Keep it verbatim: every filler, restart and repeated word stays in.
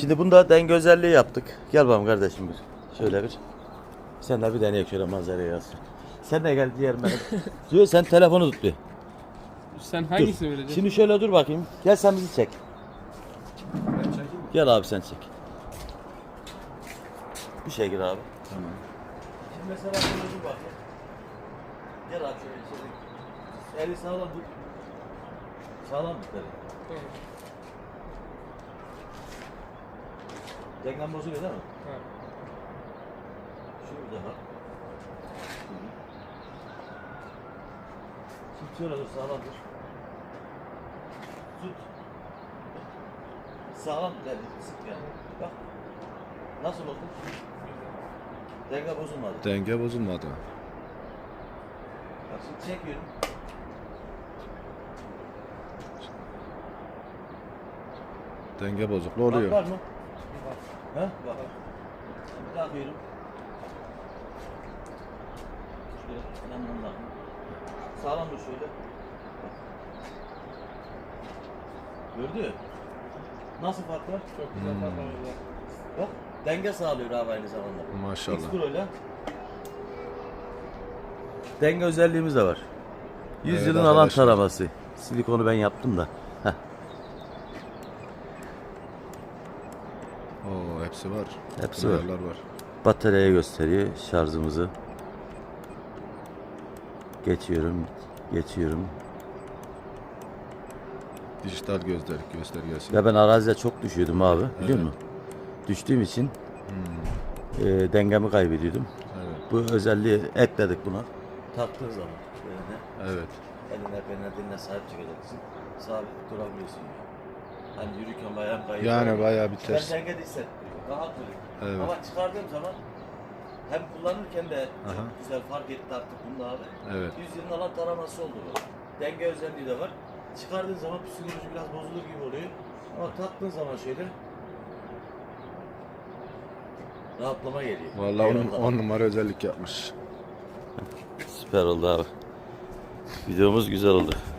Şimdi bunda denge özelliği yaptık. Gel bakalım kardeşim bir. Şöyle bir. Sen de bir deneyek şöyle manzaraya yazsın. Sen de gel diğer bana. Diyor sen telefonu tut bir. Sen Dur. hangisini vereceksin? Şimdi şöyle dur bakayım. Gel sen bizi çek. Ben çekeyim mi? Gel abi sen çek. Bir şey gir abi. Tamam. Şimdi mesela şöyle dur bakayım. Gel abi şöyle içeri. Eli sağlam dur. Sağlam tut eli. Tamam. Dengen bozuluyor değil mi? Ha. Şurada bak. Şimdi şöyle dur sağlam dur. Tut. Sağlam tut eli. Sık yani. Bak. Nasıl oldu? Denge bozulmadı. Denge bozulmadı. Bak şimdi çekiyorum. Denge bozukluğu oluyor. Bak var mı? He? Bak. Şimdi takıyorum. Şöyle yandan bakın. Sağlam dur şöyle. Gördü. Nasıl fark var? Çok güzel patlamış var. Bak denge sağlıyor abi aynı zamanda. Maşallah. X-Pro ile denge özelliğimiz de var. yüz Evet yılın alan arkadaşlar. taraması. Silikonu ben yaptım da. Heh. Oo, hepsi var. Hepsi var. Ayarlar var. Bataryaya gösteriyor şarjımızı. Geçiyorum. Geçiyorum. Dijital gözler göstergesi. Ya ben arazide çok düşüyordum abi. Biliyor Evet. musun? Düştüğüm için Hmm, e, dengemi kaybediyordum. evet. Bu özelliği ekledik buna. Taktığın zaman böyle de Evet. eline beline diline sahip çıkacaksın. Sabit durabiliyorsun. Yani. Hani yürürken bayağı kayıyor. Yani bayağı bir Ben ters. denge de hissettiriyor. Rahat duruyor. Evet. Ama çıkardığım zaman hem kullanırken de çok Aha. güzel fark etti artık bunda abi. Evet. yüz yılın alan taraması oldu bu. Denge özelliği de var. Çıkardığın zaman psikoloji biraz bozulur gibi oluyor. Ama taktığın zaman şöyle rahatlama geliyor. Vallahi on, Eyvallah. on numara özellik yapmış. Süper oldu abi. Videomuz güzel oldu.